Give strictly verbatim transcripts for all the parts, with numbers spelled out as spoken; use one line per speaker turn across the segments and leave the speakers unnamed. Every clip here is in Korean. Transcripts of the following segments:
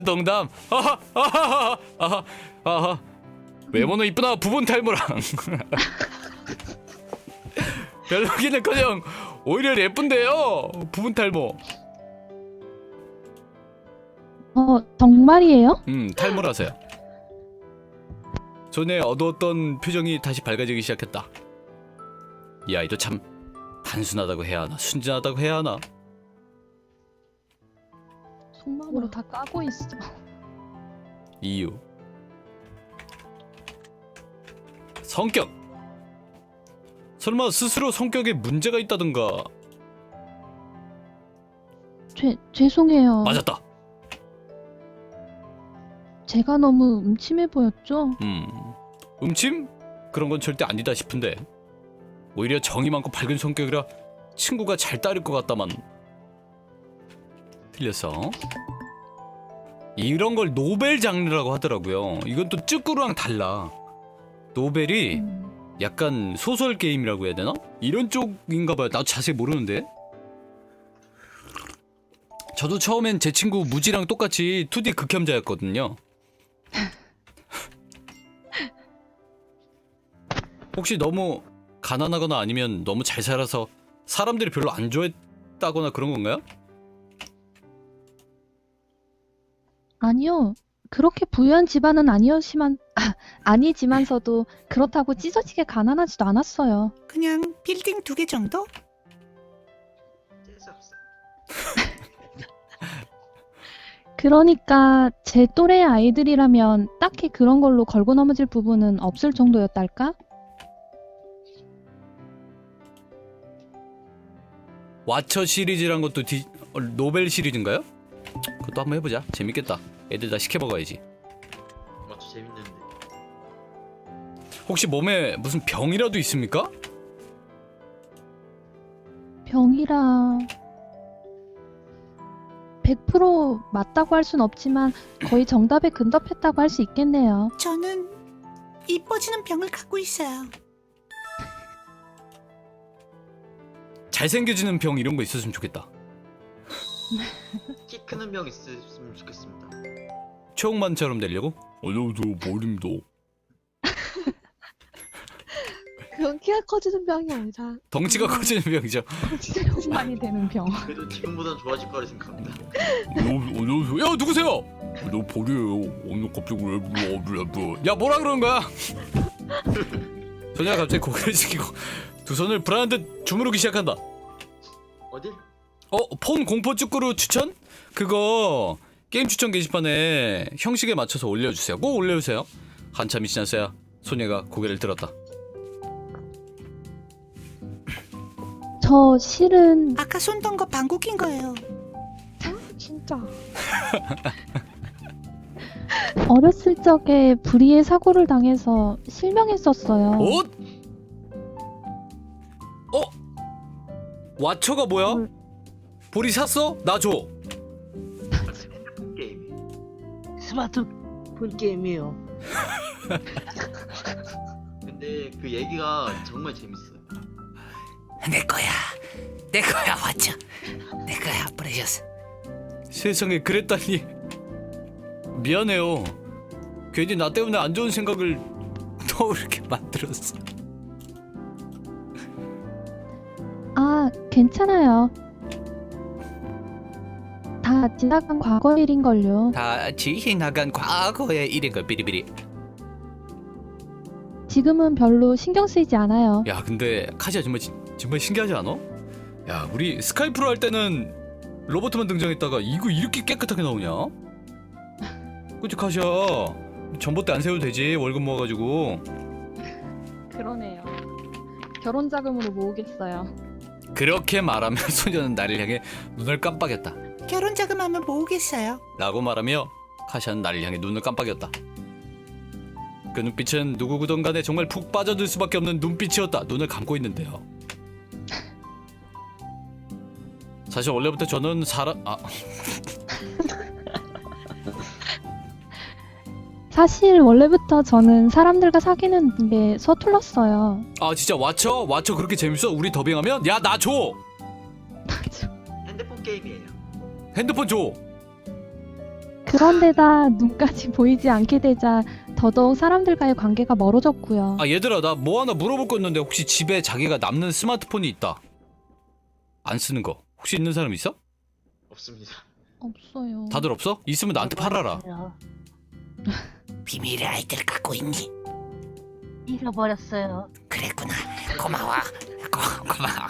농담. 아하 아하 아하 아하. 외모는 이쁘나 부분 탈모랑. 별로기는커녕 오히려 예쁜데요. 부분 탈모.
어, 정말이에요?
음 탈모라서요. 전에 어두웠던 표정이 다시 밝아지기 시작했다. 이 아이도 참 단순하다고 해야 하나 순진하다고 해야 하나.
속마음으로 다 까고 있어.
이유. 성격. 설마 스스로 성격에 문제가 있다던가.
죄, 죄송해요.
맞았다.
제가 너무 음침해 보였죠?
음 음침? 그런 건 절대 아니다 싶은데 오히려 정이 많고 밝은 성격이라 친구가 잘 따를 것 같다만. 틀렸어. 이런 걸 노벨 장르라고 하더라고요. 이건 또 쭈꾸루랑 달라. 노벨이
음,
약간 소설 게임이라고 해야 되나? 이런 쪽인가 봐요. 나도 자세히 모르는데. 저도 처음엔 제 친구 무지랑 똑같이 투디 극혐자였거든요. 혹시 너무 가난하거나 아니면 너무 잘 살아서 사람들이 별로 안 좋아했다거나 그런 건가요?
아니요. 그렇게 부유한 집안은 아니었지만, 아, 아니지만서도 그렇다고 찢어지게 가난하지도 않았어요.
그냥 빌딩 두 개 정도?
재수없어.
그러니까 제 또래의 아이들이라면 딱히 그런 걸로 걸고 넘어질 부분은 없을 정도였달까?
와처 시리즈란 것도 디, 어, 노벨 시리즈인가요? 그것도 한번 해보자. 재밌겠다. 애들 다 시켜먹어야지.
맞죠, 재밌는데.
혹시 몸에 무슨 병이라도 있습니까?
병이라... 백 퍼센트 맞다고 할 순 없지만 거의 정답에 근접했다고 할 수 있겠네요.
저는 이뻐지는 병을 갖고 있어요.
잘생겨지는 병 이런 거 있었으면 좋겠다.
키 크는 병 있으면 좋겠습니다.
최홍만처럼 되려고? 안녕하세요 머리입니다.
그건 키가 커지는 병이 아니라
덩치가 커지는 병이죠.
진짜 많이 되는 병.
그래도 지금보단 좋아질 거라 생각합니다.
안녕하세요. 야 누구세요? 너 벌이에요. 오늘 갑자기 왜 불러? 불러. 야 뭐라 그러는 거야? 소녀가 갑자기 고개를 숙이고 두 손을 불안한 듯 주무르기 시작한다.
어딜?
어? 폰 공포 쭈꾸루 추천? 그거 게임 추천 게시판에 형식에 맞춰서 올려주세요. 꼭 올려주세요. 한참이 지났어야 소녀가 고개를 들었다.
저 실은
아까 손던 거 방귀인 거예요.
진짜
어렸을 적에 불의의 사고를 당해서 실명했었어요.
옷? 어? 와처가 뭐야?
뭘.
보리 샀어? 나 줘.
핸드폰 게임.
스마트폰 게임이에요.
근데 그 얘기가 정말 재밌어요.
내 거야. 내 거야, 와쳐. 내 거야, 프레셔스.
세상에 그랬다니. 미안해요. 괜히 나 때문에 안 좋은 생각을 떠오르게 만들었어.
아, 괜찮아요. 다 지나간 과거 일인걸요.
다 지나간 과거의 일인 걸 비리비리.
지금은 별로 신경 쓰이지 않아요.
야 근데 카시야 정말 진- 정말 신기하지 않아? 야 우리 스카이프로 할 때는 로버트만 등장했다가 이거 이렇게 깨끗하게 나오냐? 그치 카시야. 전봇대 안 세워도 되지 월급 모아가지고.
그러네요. 결혼 자금으로 모으겠어요.
그렇게 말하며 소녀는 나를 향해 눈을 깜빡였다.
결혼 자금하면 모으겠어요.
라고 말하며 카시아는 나를 향해 눈을 깜빡였다. 그 눈빛은 누구든 간에 정말 푹 빠져들 수밖에 없는 눈빛이었다. 눈을 감고 있는데요. 사실 원래부터 저는 사람... 아...
사실 원래부터 저는 사람들과 사귀는 게 서툴렀어요.
아 진짜 와쳐? 와쳐 그렇게 재밌어? 우리 더빙하면? 야 나 줘!
핸드폰 게임이에요.
핸드폰 줘!
그런데다 눈까지 보이지 않게 되자 더더욱 사람들과의 관계가 멀어졌고요.
아 얘들아 나 뭐 하나 물어볼 거 있는데 혹시 집에 자기가 남는 스마트폰이 있다. 안 쓰는 거 혹시 있는 사람 있어?
없습니다.
없어요.
다들 없어? 있으면 나한테 팔아라.
비밀의 아이들 갖고 있니?
잃어버렸어요.
그랬구나. 고마워. 고, 고마워.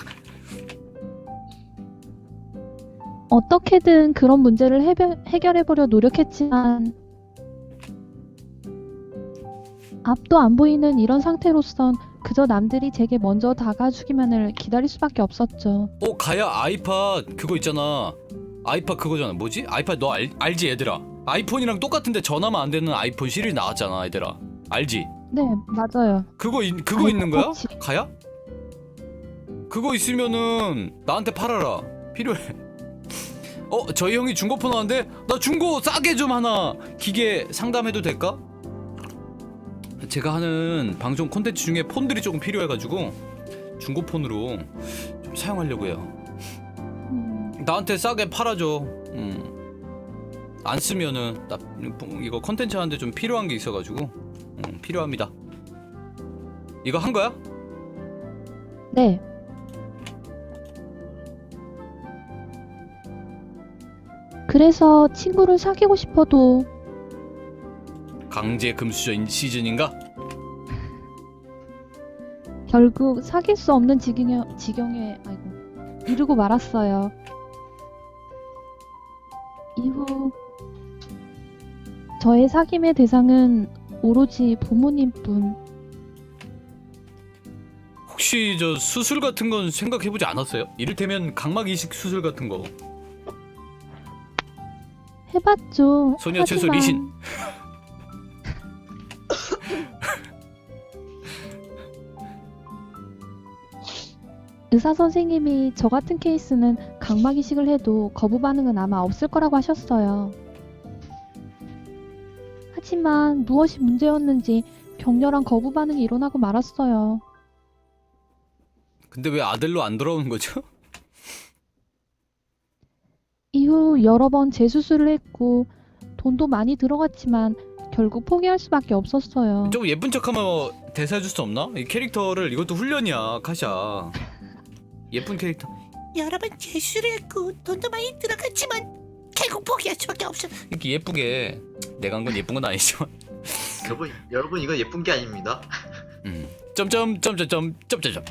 어떻게든 그런 문제를 해결, 해결해보려 노력했지만 앞도 안 보이는 이런 상태로선 그저 남들이 제게 먼저 다가주기만을 기다릴 수밖에 없었죠.
어 가야 아이팟 그거 있잖아. 아이팟 그거잖아. 뭐지? 아이팟 너 알, 알지 얘들아? 아이폰이랑 똑같은데 전화만 안 되는 아이폰 시리즈 나왔잖아 얘들아. 알지?
네, 맞아요.
그거 있, 그거 있는 거야?
아이폰
가야? 그거 있으면은 나한테 팔아라. 필요해. 어 저희 형이 중고폰 하는데 나 중고 싸게 좀 하나 기계 상담해도 될까? 제가 하는 방송 콘텐츠 중에 폰들이 조금 필요해가지고 중고폰으로 좀 사용하려고 해요.
음,
나한테 싸게 팔아줘. 음. 안 쓰면은 나 이거 컨텐츠 하는데 좀 필요한 게 있어가지고 음, 필요합니다. 이거 한 거야?
네. 그래서 친구를 사귀고 싶어도
강제 금수저 시즌인가?
결국 사귈 수 없는 지경에, 지경에 아이고, 이르고 말았어요. 이후 저의 사귐의 대상은 오로지 부모님뿐.
혹시 저 수술 같은 건 생각해보지 않았어요? 이를테면 각막 이식 수술 같은 거.
해봤죠.
소녀 최소
하지만
리신.
의사 선생님이 저 같은 케이스는 각막 이식을 해도 거부 반응은 아마 없을 거라고 하셨어요. 하지만 무엇이 문제였는지 격렬한 거부 반응이 일어나고 말았어요.
근데 왜 아들로 안 돌아오는 거죠?
이후 여러 번 재수술을 했고 돈도 많이 들어갔지만 결국 포기할 수밖에 없었어요.
좀 예쁜 척하면 대사 해줄 수 없나? 이 캐릭터를 이것도 훈련이야 카샤. 예쁜 캐릭터.
여러분 재수를 했고 돈도 많이 들어갔지만 결국 포기할 수밖에 없어.
이렇게 예쁘게 내가 한 건 예쁜 건 아니지만.
여러분, 여러분 이건 예쁜 게 아닙니다.
음. 점점 점점점 점점점.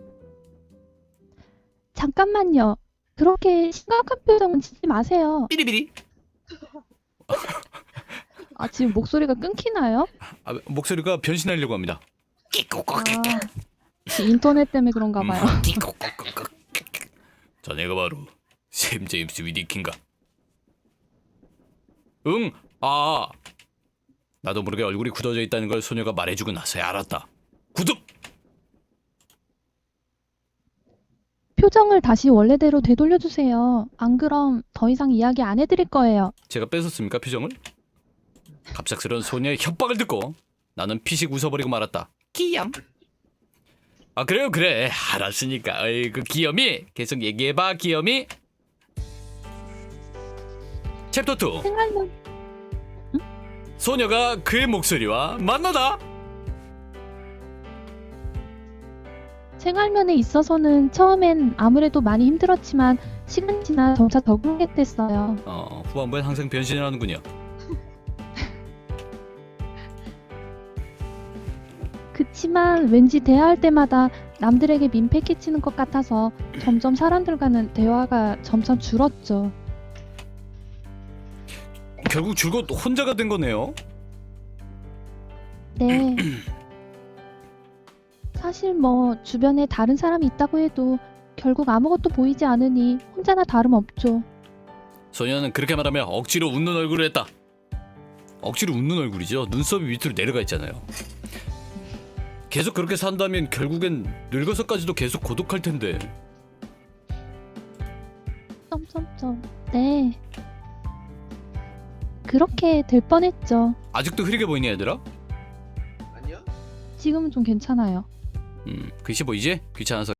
잠깐만요. 그렇게 심각한 표정은 짓지 마세요.
삐리비리.
아, 지금 목소리가 끊기나요?
아, 목소리가 변신하려고 합니다.
끼꼬꼬끼.
아, 인터넷 때문에 그런가 봐요.
끼꼬꼬꼬꼬.
자네가 바로 샘 제임스 위디킨가? 응. 아. 나도 모르게 얼굴이 굳어져 있다는 걸 소녀가 말해주고 나서야 알았다. 구독.
표정을 다시 원래대로 되돌려주세요. 안 그럼 더 이상 이야기 안 해드릴 거예요.
제가 뺏었습니까 표정을? 갑작스런 소녀의 협박을 듣고 나는 피식 웃어버리고 말았다.
귀염.
아 그래요 그래 알았으니까. 어이 그 귀염이 계속 얘기해봐 귀염이. 챕터 투.
생각나.
소녀가 그의 목소리와 만나다.
생활면에 있어서는 처음엔 아무래도 많이 힘들었지만 시간이 지나 점차 적응하게 됐어요.
어 후반부엔 항상 변신을 하는군요.
그치만 왠지 대화할 때마다 남들에게 민폐 끼치는 것 같아서 점점 사람들과는 대화가 점점 줄었죠.
결국 줄곧 혼자가 된 거네요.
네. 사실 뭐 주변에 다른 사람이 있다고 해도 결국 아무것도 보이지 않으니 혼자나 다름없죠.
소녀는 그렇게 말하며 억지로 웃는 얼굴을 했다. 억지로 웃는 얼굴이죠. 눈썹이 밑으로 내려가 있잖아요. 계속 그렇게 산다면 결국엔 늙어서까지도 계속 고독할 텐데.
점점점. 네. 그렇게 될 뻔했죠.
아직도 흐리게 보이니 얘들아?
아니요?
지금은 좀 괜찮아요.
음, 글씨 보이지? 귀찮아서